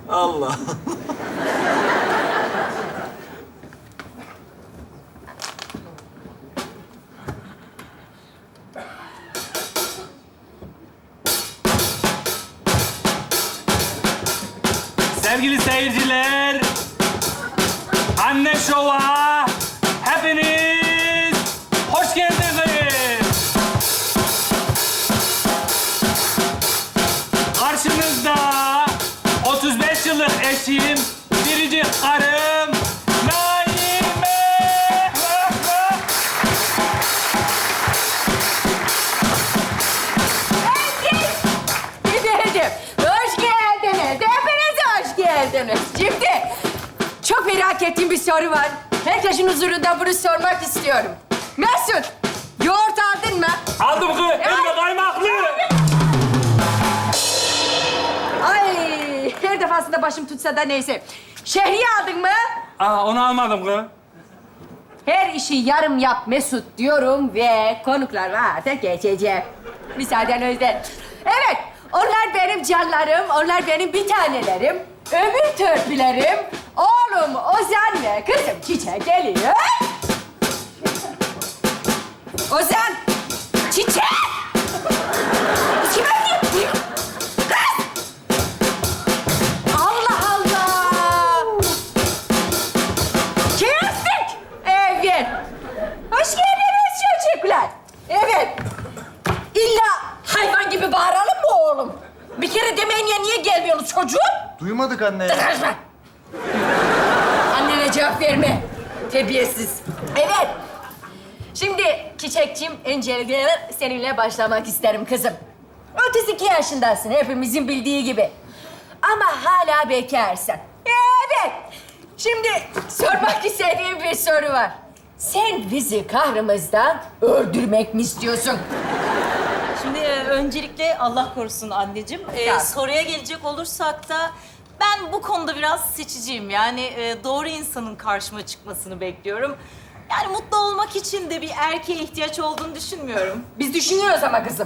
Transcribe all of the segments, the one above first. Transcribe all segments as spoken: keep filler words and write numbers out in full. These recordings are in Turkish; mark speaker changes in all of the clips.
Speaker 1: Allah.
Speaker 2: Sevgili seyirciler, Anne Şov'a hepiniz hoş geldiniz. Karşınızda otuz beş yıllık eşim, biricik karım Naime.
Speaker 3: Efendim, hoş geldiniz. Hepiniz hoş geldiniz. Şimdi çok merak ettiğim bir soru var. Herkesin huzurunda bunu sormak istiyorum. Mesut, yoğurt aldın mı?
Speaker 2: Aldım kız, hem de kaymaklı.
Speaker 3: Ay, her defasında başım tutsa da neyse. Şehriye aldın mı?
Speaker 2: Aa, onu almadım kız.
Speaker 3: Her işi yarım yap Mesut diyorum ve konuklar varsa geçeceğim. Müsaadenizle. Evet, onlar benim canlarım, onlar benim bir tanelerim, ömür törpülerim. Oğlum Ozan ve kızım Çiçek geliyor. Ozan, Çiçek! Kime gitti? Kız! Allah Allah! Kestik! Evet. Hoş geldiniz çocuklar. Evet. İlla hayvan gibi bağıralım mı oğlum? Bir kere demeyin ya niye gelmiyorsunuz çocuğum?
Speaker 4: Duymadık anne ya.
Speaker 3: Annene cevap verme. Terbiyesiz. Evet. Şimdi Çiçekçiğim, öncelikle seninle başlamak isterim kızım. otuz iki yaşındasın, hepimizin bildiği gibi. Ama hala bekarsın. Evet. Şimdi sormak istediğim bir soru var. Sen bizi kahrımızdan öldürmek mi istiyorsun?
Speaker 5: Şimdi e, öncelikle Allah korusun anneciğim. E,
Speaker 3: Ya.
Speaker 5: soruya gelecek olursak da ben bu konuda biraz seçiciyim. Yani e, doğru insanın karşıma çıkmasını bekliyorum. Yani mutlu olmak için de bir erkeğe ihtiyaç olduğunu düşünmüyorum.
Speaker 3: Biz düşünüyoruz ama kızım.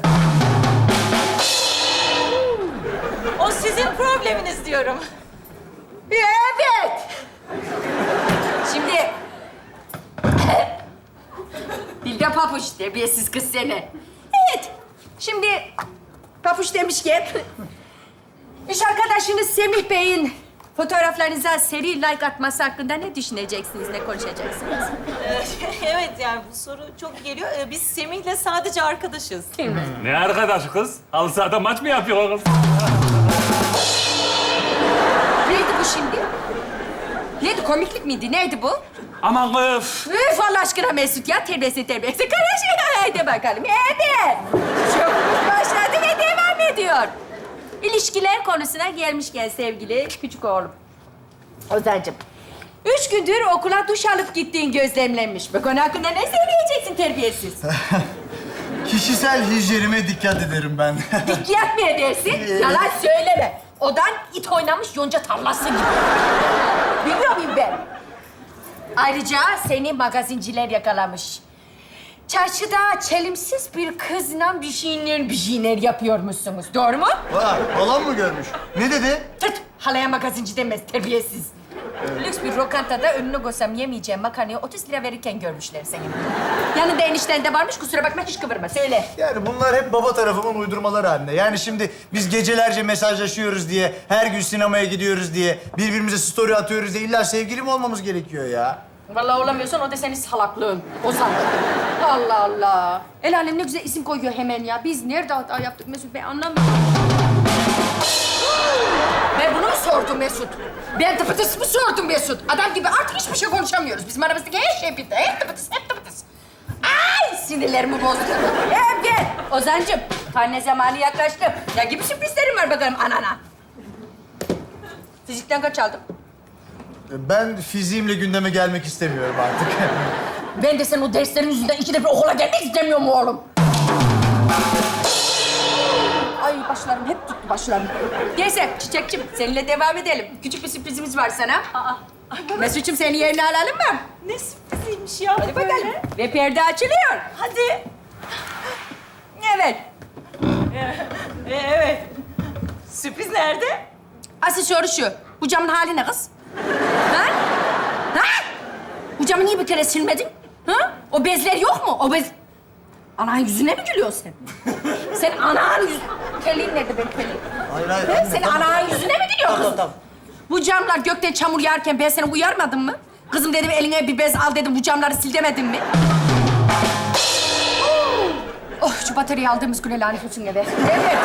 Speaker 5: O sizin probleminiz diyorum.
Speaker 3: Evet. Şimdi... Bilge Papuç, terbiyesiz kız seni. Evet. Şimdi Papuç demişken... İş arkadaşınız Semih Bey'in fotoğraflarınıza seri like atması hakkında ne düşüneceksiniz, ne konuşacaksınız?
Speaker 5: E, evet yani bu soru çok geliyor. E, biz Semih'le sadece arkadaşız.
Speaker 2: Ne arkadaş kız? Halı sahada maç mı yapıyor kız?
Speaker 3: Neydi bu şimdi? Neydi, komiklik miydi? Neydi bu?
Speaker 2: Aman kız.
Speaker 3: Üf Allah aşkına Mesut ya, terbiyesi terbiyesi karışıyor. Haydi bakalım, evet. Çok başladı ve devam ediyor. İlişkiler konusuna gelmişken sevgili küçük oğlum. Ozan'cığım, üç gündür okula duş alıp gittiğin gözlemlenmiş. Bu konu hakkında ne söyleyeceksin terbiyesiz?
Speaker 4: Kişisel hijyenime dikkat ederim ben.
Speaker 3: Dikkat mi edersin? Yalan söyleme. Odan it oynamış yonca tarlası gibi. Bilmiyor muyum ben? Ayrıca seni magazinciler yakalamış. Çarşıda çelimsiz bir kızla bir şeyler bir şeyler yapıyormuşsunuz. Doğru mu?
Speaker 4: Vay, halam mı görmüş? Ne dedi?
Speaker 3: Tıt! Halaya magazinci demez, terbiyesiz. Lüks bir lokantada önüne koysam yemeyeceğim makarnayı otuz lira verirken görmüşler seni. Yanında enişten de varmış, kusura bakma hiç kıvırma, söyle.
Speaker 4: Yani bunlar hep baba tarafımın uydurmaları anne. Yani şimdi biz gecelerce mesajlaşıyoruz diye, her gün sinemaya gidiyoruz diye, birbirimize story atıyoruz diye illa sevgili mi olmamız gerekiyor ya?
Speaker 3: Vallahi olamıyorsan o da senin salaklığın. Ozan. Allah Allah. El alem ne güzel isim koyuyor hemen ya. Biz nerede hata yaptık Mesut? Ben anlamıyorum. Ben bunu mu sordum Mesut? Ben tıpıtıs mı sordum Mesut? Adam gibi artık hiçbir şey konuşamıyoruz. Bizim aramızdaki her şey bitti. Hep tıpıtıs, hep tıpıtıs. Ay sinirlerimi bozdu. Hep gel. Ozan'cığım, karne zamanı yaklaştı. Ne gibi sürprizlerim var bakalım anana? Fizikten kaç aldın?
Speaker 4: Ben fiziğimle gündeme gelmek istemiyorum artık.
Speaker 3: Ben de senin o derslerin yüzünden ikide bir okula gelmek istemiyorum oğlum. Ay başlarım hep tuttu başlarım. Neyse Çiçekçim seninle devam edelim. Küçük bir sürprizimiz var sana.
Speaker 5: Aa,
Speaker 3: Mesut'cum seni yerine alalım mı?
Speaker 5: ne sürpriziymiş ya.
Speaker 3: Hadi bakalım. Ve perde açılıyor.
Speaker 5: Hadi.
Speaker 3: Evet.
Speaker 5: E, evet. Sürpriz nerede?
Speaker 3: Asıl soru şu. Bu camın hali ne kız? Ha? Ha? Bu camı niye bir kere silmedin? Ha? O bezler yok mu? O bez... Ananın yüzüne mi gülüyorsun sen? Sen ananın yüz... Terliğin nerede benim terliğim?
Speaker 4: Hayır, hayır.
Speaker 3: Ha?
Speaker 4: anne,
Speaker 3: Sen
Speaker 4: tamam.
Speaker 3: ananın yüzüne mi gülüyorsun
Speaker 4: Tamam,
Speaker 3: kızım?
Speaker 4: tamam.
Speaker 3: Bu camlar gökten çamur yağarken ben seni uyarmadım mı? Kızım dedim eline bir bez al dedim, bu camları sil demedin mi? Oh, şu bataryayı aldığımız güne lanet olsun eve. Evet.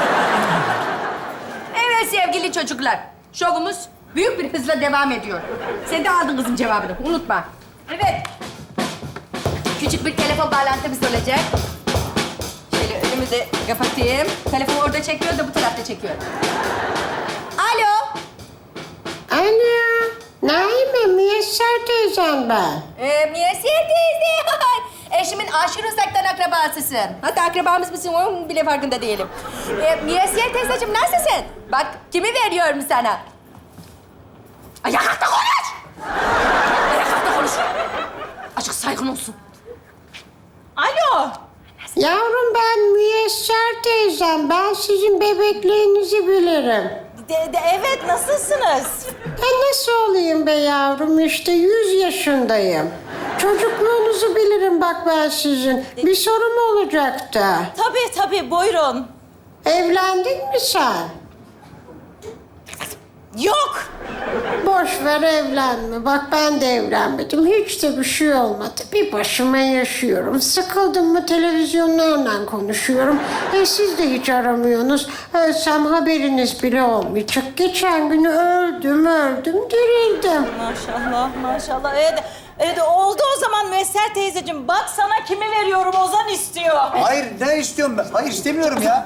Speaker 3: Evet sevgili çocuklar, şovumuz büyük bir hızla devam ediyor. Sen de aldın kızım cevabını, unutma. Evet. Küçük bir telefon bağlantımız olacak. Şöyle önümü de kapatayım. Telefon orada çekiyor da bu tarafta çekiyor. Alo.
Speaker 1: Ana, Naime, Müyesser teyzem ben.
Speaker 3: Ee, Müyesser teyze. Eşimin aşırı uzaktan akrabasısın. Hatta akrabamız mısın onun bile farkında değilim. Ee, Müyesser teyzeciğim nasılsın? Bak kimi veriyorum sana. Ayakta konuş! Ayakta konuş. Açık saygın olsun.
Speaker 5: Alo.
Speaker 1: Yavrum ben Müyesser teyzem. Ben sizin bebekliğinizi bilirim.
Speaker 5: De, de, evet, nasılsınız?
Speaker 1: Ben nasıl olayım be yavrum? İşte yüz yaşındayım. Çocukluğunuzu bilirim bak ben sizin. Bir sorum olacaktı.
Speaker 5: Tabii tabii, buyurun.
Speaker 1: Evlendin mi sen?
Speaker 5: Yok.
Speaker 1: Boş ver evlenme. Bak ben de evlenmedim. Hiç de bir şey olmadı. Bir başıma yaşıyorum. Sıkıldım mı televizyonlarla konuşuyorum. E siz de hiç aramıyorsunuz. Ölsem haberiniz bile olmayacak. Geçen günü öldüm öldüm dirildim.
Speaker 5: Maşallah, maşallah. Evet, evet, oldu o zaman Müyesser teyzeciğim. Bak sana kimi veriyorum, Ozan istiyor.
Speaker 4: Hayır, ne istiyorum ben? Hayır, istemiyorum ya.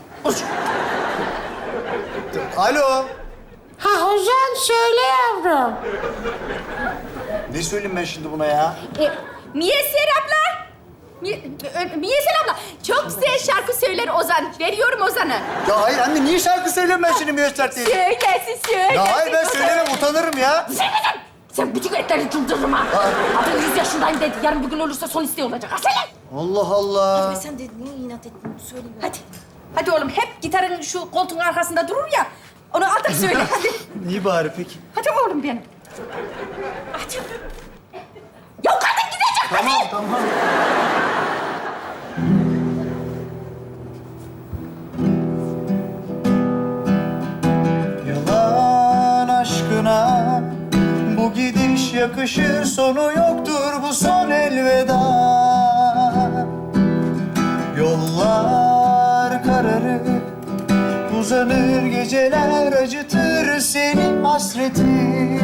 Speaker 4: Alo.
Speaker 1: Ha Ozan söyle yavrum.
Speaker 4: Ne söyleyeyim ben şimdi buna ya?
Speaker 3: Ee, Müyesser abla. Mi- Ö- Müyesser abla. Çok güzel şarkı söyler Ozan. Veriyorum Ozan'ı.
Speaker 4: Ya hayır anne, niye şarkı söylüyorum ben şimdi Müyesser teyze?
Speaker 3: Söylesin, söylesin.
Speaker 4: Ya hayır, ben
Speaker 3: Ozan.
Speaker 4: söylemem, utanırım ya.
Speaker 3: Sen neden? Sen bütün etleri çıldırırım ha. Adam yüz yaşındayım dedi. Yarın bir gün olursa son isteği olacak. Ha söyle.
Speaker 4: Allah Allah.
Speaker 5: Sen de niye inat ettin? Söyle.
Speaker 3: Hadi. Hadi oğlum hep gitarın şu koltuğun arkasında durur ya. Onu artık söyle. Hadi.
Speaker 4: İyi bari peki.
Speaker 3: Hadi oğlum benim. Hadi. Ya kadın gidecek.
Speaker 4: Tamam, tamam. Yalan aşkına bu gidiş yakışır, sonu yoktur bu son elveda. Yollar kararır, uzanır geceler, acıtır seni hasretin.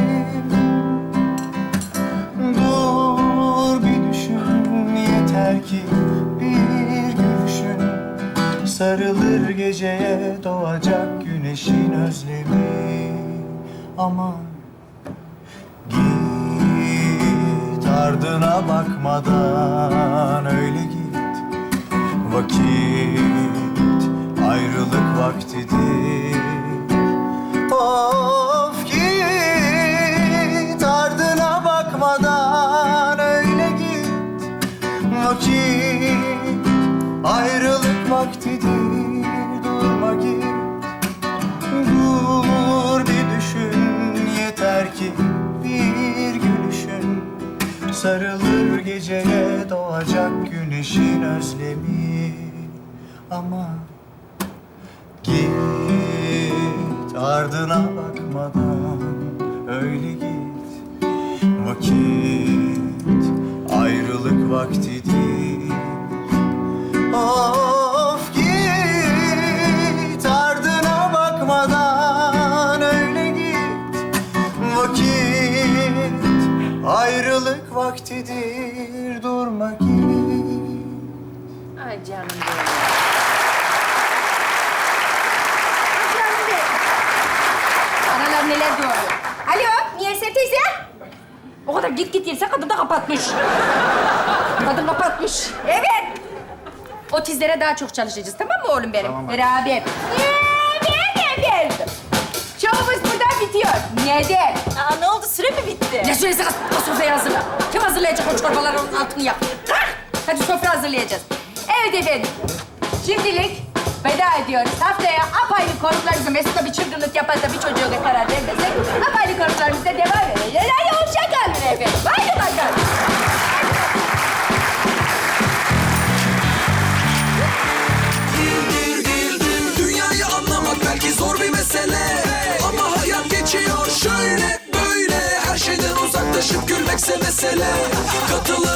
Speaker 4: Dur bir düşün, yeter ki bir gülüşün, sarılır geceye doğacak güneşin özlemi. Aman git, ardına bakmadan öyle git. Vakit ayrılık vaktidir. Of git, ardına bakmadan öyle git. Vakit ayrılık vaktidir. Durma git, dur bir düşün, yeter ki bir gülüşün, sarılır geceye doğacak güneşin özlemi. Ama git, ardına bakmadan öyle git. Vakit ayrılık vaktidir. Of git, ardına bakmadan öyle git. Vakit ayrılık vaktidir. Durma git.
Speaker 3: Ay canım benim. Ay canım benim. Analar neler diyor. Alo, Müyesser teyze. O kadar git git yerse kadın da kapatmış. Kadın kapatmış. Evet. Otizlere daha çok çalışacağız, tamam mı oğlum benim?
Speaker 4: Tamam.
Speaker 3: Beraber. Neden efendim? Şovumuz burada bitiyor. Neden?
Speaker 5: Aa, ne oldu? Süre mi bitti?
Speaker 3: Ne süresi kız? O sofrayı hazırla. Kim hazırlayacak o çorbaların altını yap? Kalk! Hadi sofra hazırlayacağız. Evet efendim. Şimdilik veda ediyoruz. Haftaya apayrı konuklarımızla Mesut'la bir çılgınlık yaparsa bir çocuğu da karar vermesek apayrı konuklarımızla devam edeceğiz. Hadi hoşça kalın efendim. Haydi bakalım.
Speaker 6: Dünyayı anlamak belki zor bir mesele, ama hayat geçiyor şöyle böyle. Her şeyden uzaklaşıp gülmekse mesele. Katılın